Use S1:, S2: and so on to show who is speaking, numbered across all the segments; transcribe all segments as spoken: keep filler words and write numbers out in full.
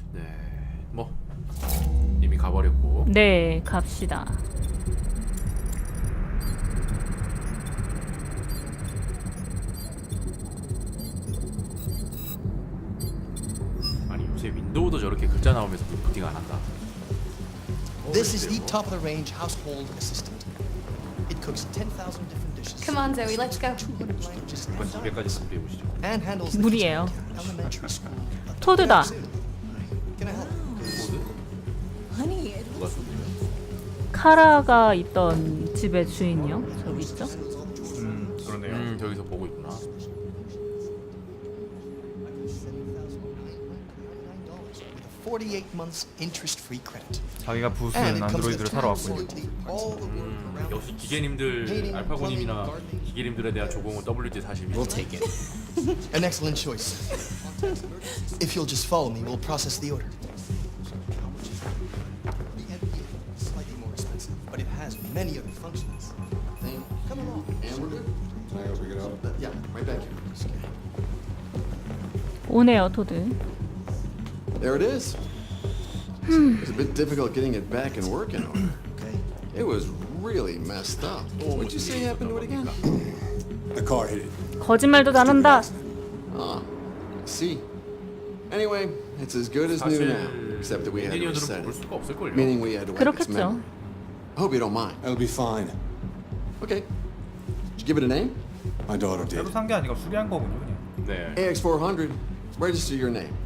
S1: 네, 뭐 이미 가버렸고.
S2: 네, 갑시다.
S1: 아니 요새 윈도우도 저렇게 글자 나오면서 부팅 안 한다.
S3: This is the top of the range household assistant. It cooks ten thousand different dishes.
S4: Come on, Zoe, let's go.
S3: two hundred languages
S1: 이번 이백까지 스프레이 보시죠.
S3: and handles the
S2: 무리예요.
S3: kitchen like an elementary school.
S2: 토드다.
S3: Can I help?
S4: Honey,
S1: 누가 쏘냐?
S2: 카라가 있던 집의 주인이요. 저기 있죠.
S5: 음 그러네요.
S1: 음 저기서 보고 있구나.
S3: forty-eight months interest-free credit.
S5: 자기가
S3: And
S5: 부수는
S3: it comes
S5: 안드로이드를
S3: with
S5: 사러
S3: tools
S5: 왔군요.
S3: for all the work
S1: 음,
S3: around
S1: 역시 기계님들 알파고님이나 기계님들에 대한 조공은 더블유지 사십이.
S3: We'll take it. An excellent choice. If you'll just follow me, we'll process the order. The M P is slightly more expensive, but it has many other functions. Come along.
S6: Hamburger? Can I go pick it up?
S3: Yeah, right back here.
S2: 오네요, 토드.
S6: There it is. It was a bit difficult getting it back in working order.
S3: Okay.
S6: It was really messed up. What'd you say happened to it again?
S7: The car hit it.
S2: 거짓말도 잘한다.
S6: Ah, I see. Anyway, it's as good as new
S1: 사실
S6: now, except that we had to
S1: 엔지니어들은
S6: reset
S1: 볼
S6: it.
S1: 수가 없을 걸요.
S6: Meaning we had to wipe its
S2: 그렇겠죠.
S6: memory. I hope you don't mind.
S7: That'll be fine.
S6: Okay. Did you give it a name?
S7: My daughter did.
S5: 새로 산 게 아니라 수리한 거군요, 그냥.
S1: 네.
S6: A X four hundred. Register your name.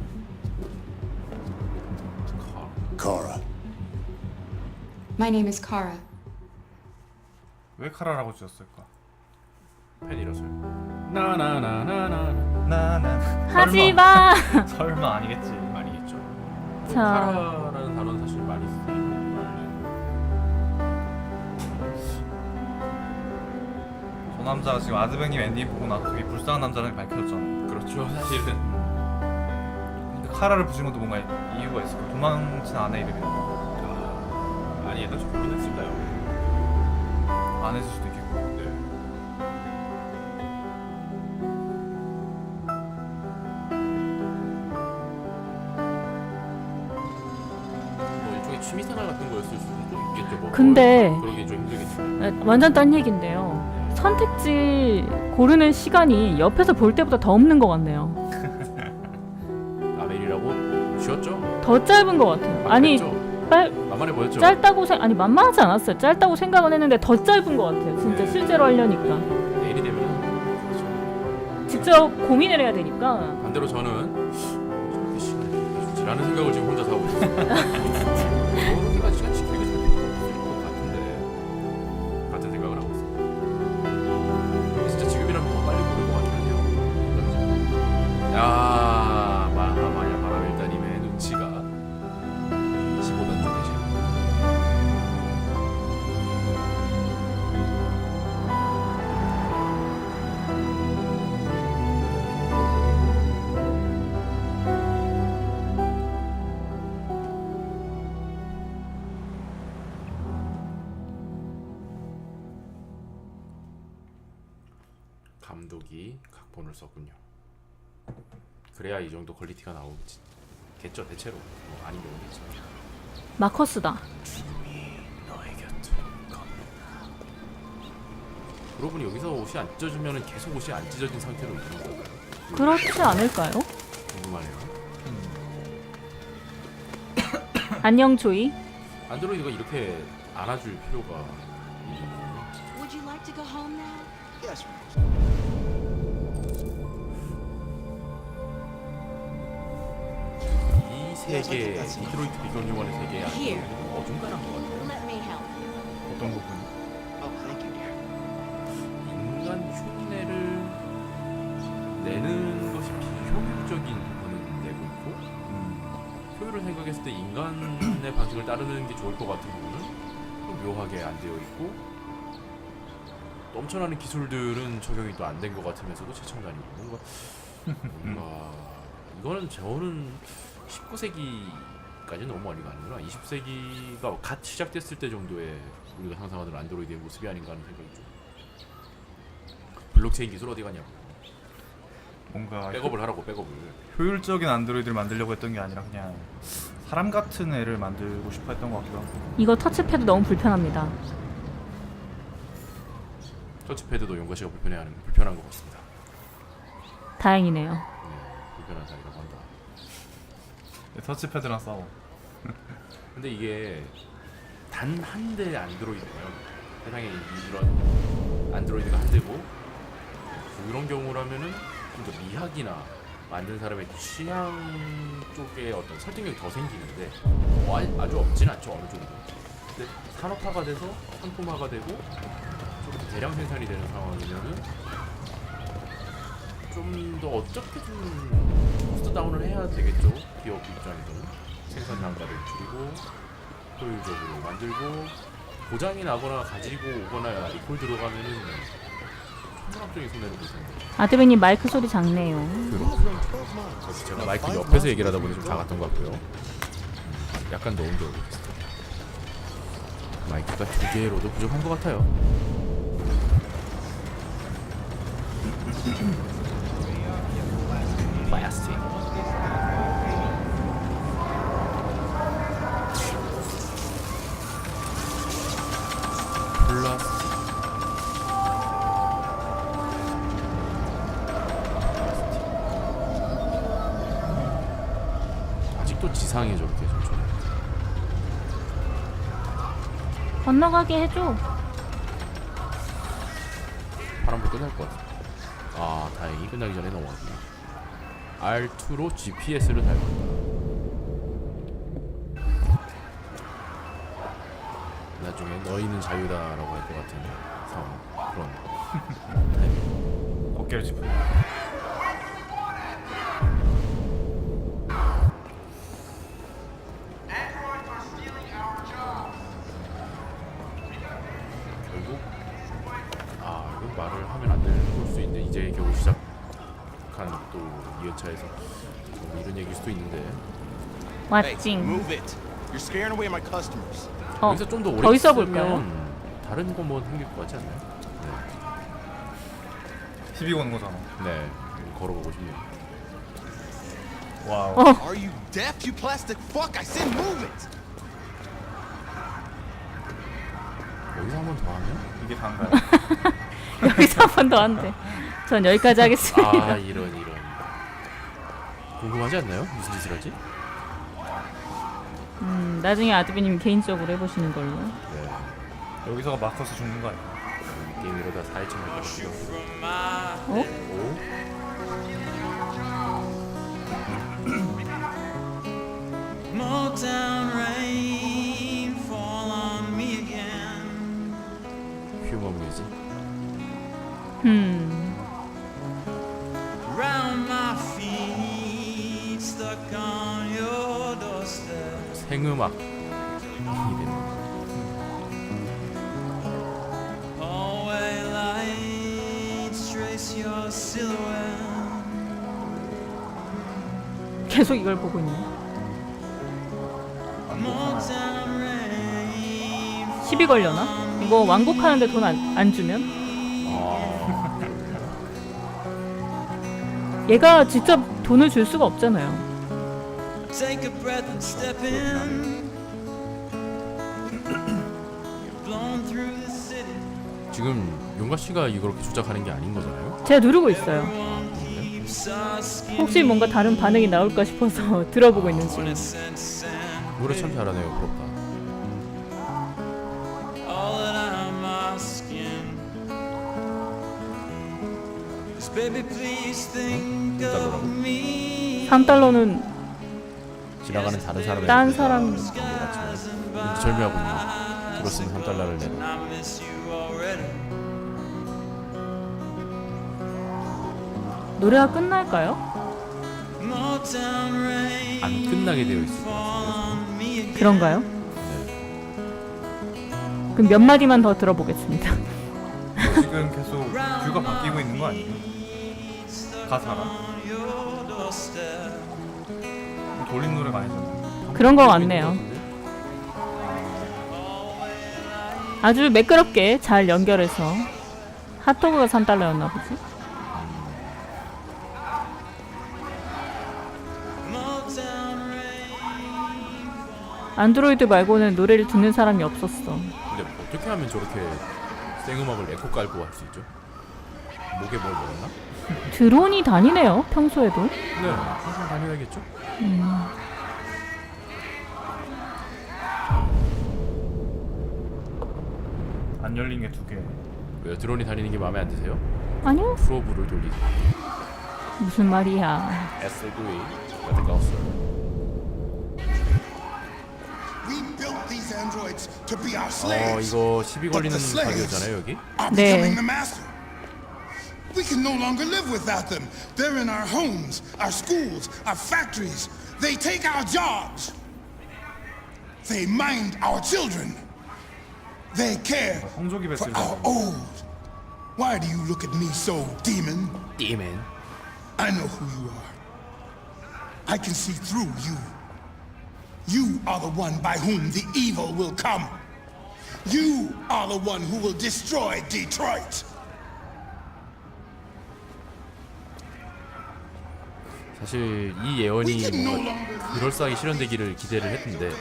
S7: Kara.
S4: my name is Kara.
S5: 왜 카라라고 지었을까?
S1: 팬이라서요. 나나나나나.
S5: 나나.
S2: 하지 마.
S5: 설마, 설마 아니겠지.
S1: 아니겠죠.
S2: 자.
S1: 카라라는 단어는 사실 많이 쓰이는
S5: 저 남자가 지금 아드뱅님 엔딩 보고 나서 되게 불쌍한 남자라는 게 밝혀졌잖아.
S1: 말이에요. 그렇죠. 사실은
S5: 근데 카라를 부신 것도 뭔가 이유가 있을 거야. 도망친 아내 이름이
S1: 아, 아니 얘가 좀 고민했을까요?
S5: 안 했을 수도 있겠고.
S1: 네. 뭐 일종의 취미생활 같은 거였을 수도 있겠죠. 뭐
S2: 근데
S1: 그러기 좀 힘들겠죠.
S2: 네, 완전 딴 얘긴데요. 선택지 고르는 시간이 옆에서 볼 때보다 더 없는 것 같네요.
S1: 라멜이라고 쉬었죠?
S2: 더 짧은 것 같아요. 아니, 빨,
S1: 만만해 보였죠?
S2: 짧다고 생 아니 만만하지 않았어요. 짧다고 생각은 했는데 더 짧은 것 같아요. 진짜
S1: 네.
S2: 실제로 하려니까
S1: 내일이 되면 그렇죠.
S2: 직접 고민을 해야 되니까.
S1: 반대로 저는 저렇게 시간이 이렇게 좋지라는 생각을 지금 혼자 하고 있어요. 저렇게까지 시간 지키기가 잘 필요가 없을 것 같은데 같은 생각을 하고 있어요. 진짜 지금이라면 더 빨리 고를 것 같긴 하네요. 야, 마하마야 마라밀다님의 눈치가 이십오 단 쪽이시네요. 감독이 각본을 썼군요. 그래야 이 정도 퀄리티가 나오겠죠. 대체로 뭐 아니면 오겠죠.
S2: 마커스다.
S1: 너의 곁을 걷는다. 그러고 보니 여기서 옷이 안 찢어지면 계속 옷이 안 찢어진 상태로 있는 건가요?
S2: 그렇지 않을까요?
S1: 궁금하네요.
S2: 안녕 조이.
S1: 안드로이드가 이렇게 안아줄 필요가 있는
S4: Would you like to go home now?
S3: Yes.
S1: 이 세계, 디트로이트 비건 휴먼의 세계에
S4: Here.
S1: 안드로이드는 어중간한 것 같아요.
S4: Let me help.
S5: 어떤 부분이?
S3: Oh, thank you, dear.
S1: 인간 흉내를 내는 것이 비효율적인 부분은 내고 있고
S5: 음.
S1: 효율을 생각했을 때 인간의 방식을 따르는 게 좋을 것 같은 부분은 좀 묘하게 안 되어 있고 넘쳐나는 기술들은 적용이 또 안 된 것 같으면서도 최첨단이고 뭔가 뭔가 이거는 저는 십구 세기까지는 너무 많이 가는구나. 이십 세기가 갓 시작됐을 때 정도의 우리가 상상하던 안드로이드의 모습이 아닌가 하는 생각이 좀. 블록체인 기술 어디 가냐고.
S5: 뭔가
S1: 백업을 하라고 백업을.
S5: 효율적인 안드로이드를 만들려고 했던 게 아니라 그냥 사람 같은 애를 만들고 싶어 했던 것 같기도 하고.
S2: 이거 터치패드 너무 불편합니다.
S1: 터치패드도 용가 씨가 불편해하는 불편한 것 같습니다.
S2: 다행이네요.
S1: 네, 불편하다고 한다.
S5: 터치패드랑 싸워.
S1: 근데 이게 단 한 대 안드로이드예요. 세상에 이런 안드로이드가 한 대고 그런 경우라면은 좀 더 미학이나 만든 사람의 취향 쪽에 어떤 설득력이 더 생기는데 어, 아- 아주 없진 않죠 어느 정도. 근데 산업화가 돼서 상품화가 되고 좀 대량 생산이 되는 상황이면은 좀 더 어떻게 좀 코스트 다운을 해야 되겠죠. 기업 입장에서는 생산 단가를 줄이고 효율적으로 만들고 고장이 나거나 가지고 오거나 리콜 들어가면은 천문학적인 손해를 볼 텐데.
S2: 아드베님 마이크 소리 작네요.
S1: 그래서 제가 마이크 옆에서 얘기를 하다 보니 좀 작았던 것 같고요. 약간 더 옮겨오겠습니다. 마이크가 두 개로도 부족한 것 같아요. 플라스틱. 플라스틱. 아직도 지상에 저렇게 좀 쳐.
S2: 건너가게 해줘.
S1: 파란불 끝날 것 같아. 아 다행히 끝나기 전에 넘어갔구나. 알투로 지피에스를 달고 나중에 너희는 자유다라고 할 것 같은 상황 그런 타이밍.
S5: 어깨를 짚고.
S1: 결국 아 이건 말을 하면 안 되는 걸 수도 있는데 이제 겨우 시작한 또 이 회차에서 뭐 이런 얘기일 수도 있는데
S2: 왓징.
S3: Move it. You're scaring away my customers.
S2: 어,
S1: 여기서 좀 더 오래
S2: 더 있어 볼까요?
S1: 있으면 다른 거 뭐 생길 것 같지 않나요?
S5: 시비 거는 거잖아.
S1: 네, 네 걸어보고 싶네요.
S5: 와우.
S2: 어.
S3: Are you deaf, you plastic fuck? I said move it.
S1: 여기서 한 번 더 하면?
S5: 이게 다인가요?
S2: 여기서 한 번 더 한대. 전 여기까지 하겠습니다.
S1: 아 이런 이런 궁금하지 않나요? 무슨 짓을 하지?
S2: 음, 나중에 아드베님 개인적으로 해보시는 걸로.
S1: 네,
S5: 여기서가 마커스 죽는 거 아니야?
S1: 게임 이러다 사 회차 할 거거든요.
S2: 어?
S1: 오?
S8: Motown rain fall on me again.
S1: 휴머 뮤직.
S2: 음,
S8: Round my feet, stuck on your doorstep.
S1: 생음악. 이름.
S8: Hallway lights trace your silhouette.
S2: 계속 이걸 보고 있네.
S8: Motown rain.
S2: 시비 걸려나? 이거 완곡하는데 돈 안 안 주면?
S1: 아,
S2: 얘가 직접 돈을 줄 수가 없잖아요.
S8: Take a breath and step in. You're blown through the city.
S1: 지금 용가 씨가 이렇게 조작하는 게 아닌 거잖아요?
S2: 제가 누르고 있어요.
S8: Keeps us skin.
S2: 혹시 뭔가 다른 반응이 나올까 싶어서 들어보고 있는 중이에요.
S1: 노래 참 잘하네요. 부럽다.
S8: All that I'm asking is, baby, please think of me.
S2: 삼 달러는
S1: 지나가는 다른 사람의
S2: 딴 사람
S1: 왠지 절묘하고 있는 들었으면 한 달러를 내라.
S8: I miss you already.
S2: 노래가 끝날까요?
S8: Motown rain
S1: 안 끝나게 되어 있을 것
S8: fall
S1: 같아요.
S8: on me again.
S2: 그런가요? 그럼 몇 마디만 더 들어보겠습니다.
S5: 지금 계속 뷰가 바뀌고 있는 거 아니에요? 가사가?
S8: Your doorstep.
S5: 돌림 노래가 아니잖아.
S2: 그런 거 같네요. 아주 매끄럽게 잘 연결해서 핫도그가 삼 달러였나 보지? 안드로이드 말고는 노래를 듣는 사람이 없었어.
S1: 근데 어떻게 하면 저렇게 생음악을 에코 깔고 할 수 있죠? 목에 뭘 먹었나?
S2: 드론이 다니네요, 평소에도.
S1: 네, 항상 다녀야겠죠?
S5: 안 열린 게 두 개.
S1: 왜요? 드론이 다니는 게 마음에 안 드세요?
S2: 아니요?
S1: 프로브를 돌리세요.
S2: 무슨 말이야.
S1: 에스구이 같은 거 없어요.
S9: We built these androids to be our
S1: 어
S9: slaves.
S1: 이거 시비
S9: But
S1: 걸리는
S9: the slaves
S1: 가게였잖아요 여기?
S9: are
S2: 네.
S9: becoming the master. We can no longer live without them. They're in our homes, our schools, our factories. They take our jobs. They mind our children. They care
S5: 성조기
S9: for
S5: 뱃을
S9: our old. Why do you look at me so, demon?
S1: 띠맨.
S9: I know who you are. I can see through you. You are the one by whom the evil will come. You are the one who will destroy Detroit.
S1: 사실 이 예언이 뭔가 그럴싸하게 실현되기를 기대를 했는데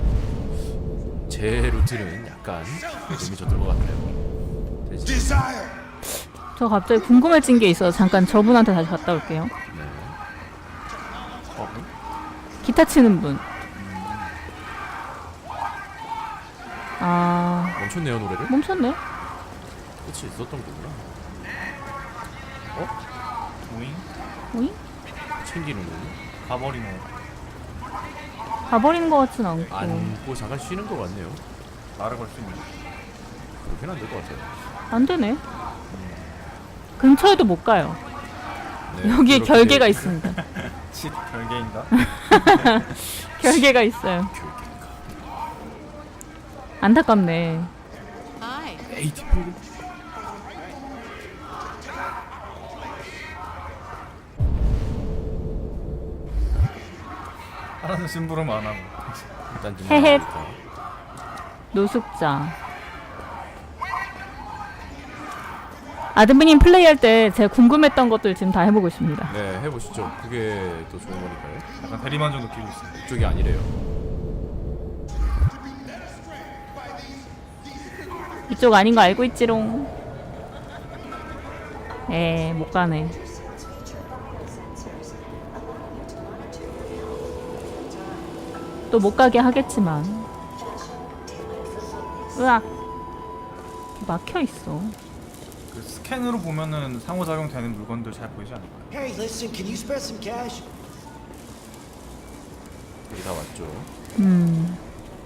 S1: 제 루트는 약간 의미 줬던 것 같아요. 대신
S9: Desire.
S2: 저 갑자기 궁금해진 게 있어서 잠깐 저분한테 다시 갔다 올게요.
S1: 어?
S2: 기타 치는 분. 아,
S1: 멈췄네요 노래를?
S2: 멈췄네.
S1: 끝이 있었던 거구나.
S5: 오잉?
S2: 오잉?
S1: 챙기는군요.
S5: 가버리네.
S2: 가버리는 것 같진 않고.
S1: 안고 잠깐 쉬는 것 같네요.
S5: 말을 걸 수 있네.
S1: 그렇게는 안 될 것 같아요.
S2: 안 되네. 근처에도 못 가요.
S1: 네,
S2: 여기에
S1: 그렇게
S2: 결계가 있습니다.
S5: 칫 별개인가?
S2: 결계가 있어요. 안타깝네.
S4: Hi.
S1: 에이티 프로그램?
S5: 하나는 심부름 안 하고.
S1: 일단 좀
S2: 헤헤.
S1: 나오니까.
S2: 노숙자. 아드미님 플레이할 때 제가 궁금했던 것들 지금 다 해보고 있습니다.
S1: 네 해보시죠. 그게 또 좋은 거니까요.
S5: 약간 대리만족 느끼고 있어요.
S1: 그쪽이 아니래요.
S2: 이쪽 아닌 거 알고 있지롱. 에, 못 가네. 또 못 가게 하겠지만. 으악. 막혀 있어.
S5: 그 스캔으로 보면은 상호작용 되는 물건들 잘 보이지 않을까요?
S8: Hey, listen, can you spare some cash?
S1: 여기 다 왔죠.
S2: 음.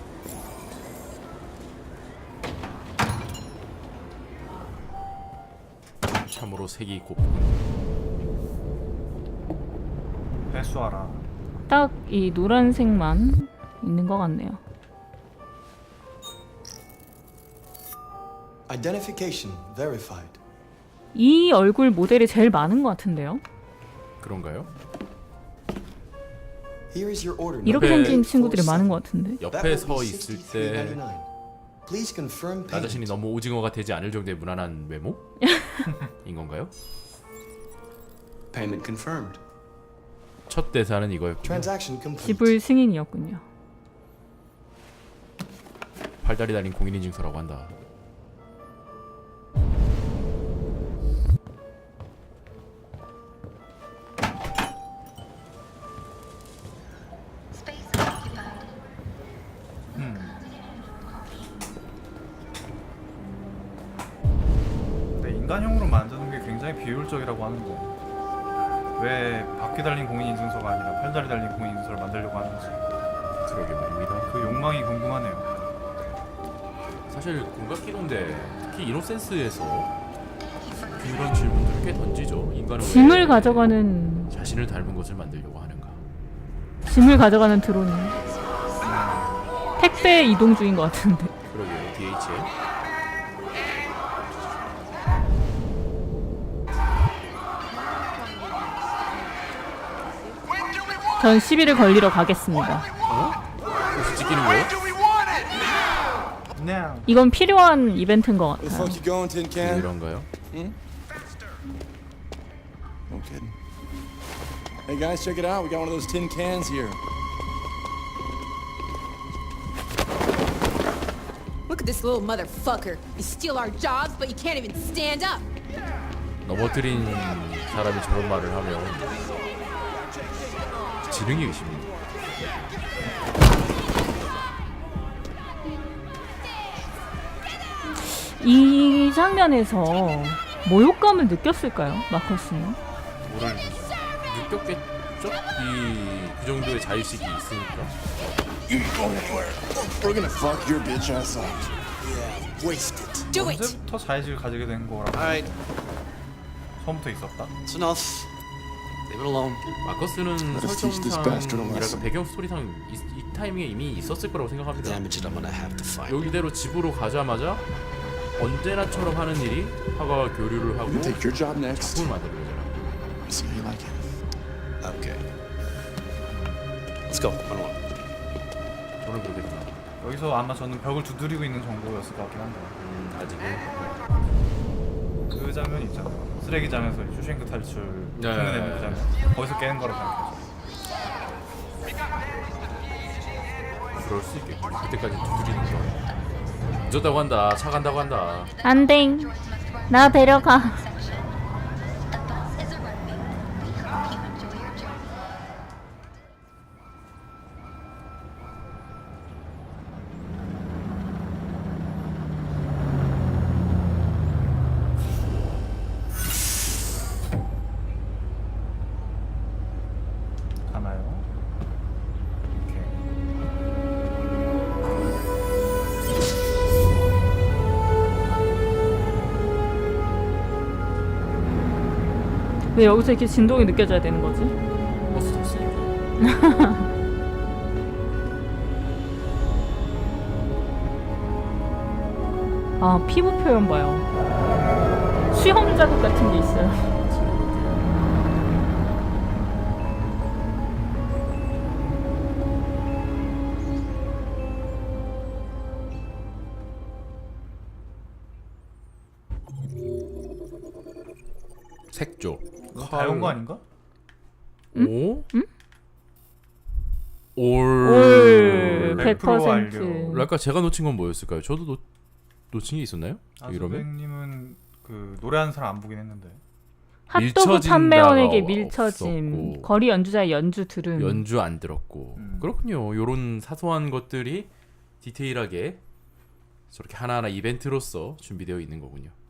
S1: 참으로 색이 곱군.
S5: 회수하라.
S2: 딱 이 노란색만 있는 것 같네요.
S3: Identification verified.
S2: 이 얼굴 모델이 제일 많은 것 같은데요?
S1: 그런가요?
S3: Here is your order.
S2: 이렇게
S1: 옆에
S2: 생긴 친구들이 많은 것 같은데?
S1: 옆에 서 있을 때 나
S3: Please confirm payment.
S1: 자신이 너무 오징어가 되지 않을 정도의 무난한 외모인 건가요?
S6: Payment confirmed.
S1: 첫 대사는 이거였군요.
S3: Transaction complete.
S2: 지불 승인이었군요.
S1: 팔다리 달린 공인인증서라고 한다.
S5: 근데 인간형으로 만드는 게 굉장히 비효율적이라고 하는데 왜 바퀴 달린 공인인증서가 아니라 팔다리 달린 공인인증서를 만들려고 하는지
S1: 그러게 말입니다.
S5: 그 욕망이 궁금하네요.
S1: 사실 공각기동대 특히 이노센스에서 그런 질문들을 꽤 던지죠. 인간은
S2: 짐을
S1: 왜
S2: 가져가는
S1: 자신을 닮은 것을 만들려고 하는가?
S2: 짐을 가져가는 드론이 택배 이동 중인 것 같은데.
S1: 그러게요. 디에이치에
S2: 전 시비를 걸리러 가겠습니다.
S1: 어? 혹시 찍히는 거예요?
S5: 그냥
S2: 이건 필요한 이벤트인 것
S6: Where the
S2: 같아요.
S6: fuck you going, tin can?
S1: 이런가요?
S6: No kidding. Hey guys, check it out. We got one of those tin cans here.
S10: Look at this little motherfucker. You steal our jobs, but you can't even stand up.
S1: 넘어뜨린 사람이 저런 말을 하면 지능이 의심입니다.
S2: 이 장면에서 모욕감을 느꼈을까요, 마커스는?
S1: 뭐를 느꼈겠죠? 이 그 정도의 자의식이 있으니까.
S6: You ain't going anywhere. We're gonna fuck your bitch ass up.
S3: Yeah, waste it.
S10: Do it.
S5: 언제부터 자의식을 가지게 된 거라고?
S3: Alright,
S5: 처음부터 있었다?
S3: it's enough. Leave it alone.
S1: 마커스는
S6: us teach this bastard a
S1: 설정상이랄까
S6: lesson.
S1: 배경 스토리상 이, 이 타이밍에 이미 있었을 거라고 생각합니다.
S3: Damage it, I'm gonna have to find.
S1: 여기대로 집으로 가자마자 언제나처럼 하는 일이 화가 교류를 하고
S6: You take your job next.
S1: 작품을 만드는 거잖아.
S6: You see how you like it.
S3: Okay. Let's go. I don't want.
S1: 저는 그렇게 생각.
S5: 여기서 아마 저는 벽을 두드리고 있는 정도였을 것 같긴 한데
S1: 음, 아직은
S5: 그 장면 있잖아요. 쓰레기장에서 슈셴크 탈출
S1: 네.
S5: 흉내 내는 그 장면. 거기서 깨는 거라고 생각해요.
S1: 그럴 수 있겠고 그때까지 두드리는 거. 늦었다고 한다. 차 간다고 한다.
S2: 안돼. 나 데려가.
S5: 가나요? 이렇게.
S2: 왜 여기서 이렇게 진동이 느껴져야 되는 거지?
S1: 버스 탔으니까.
S2: 아, 피부 표현 봐요. 수영 자국 같은 게 있어요.
S1: 색조.
S5: 다 온 거 아닌가?
S1: 오?
S2: 응?
S1: 올.
S2: 올
S5: 백
S2: 백
S5: 퍼센트
S2: 퍼센트.
S5: 완료.
S1: 아까 제가 놓친 건 뭐였을까요? 저도 놓, 놓친 게 있었나요? 이러면
S5: 아즈백님은 그 노래하는 사람 안 보긴 했는데
S2: 핫도그
S1: 밀쳐진다가
S2: 판매원에게 밀쳐짐.
S1: 없었고.
S2: 거리 연주자의 연주 들음.
S1: 연주 안 들었고
S5: 음.
S1: 그렇군요. 요런 사소한 것들이 디테일하게 저렇게 하나하나 이벤트로서 준비되어 있는 거군요.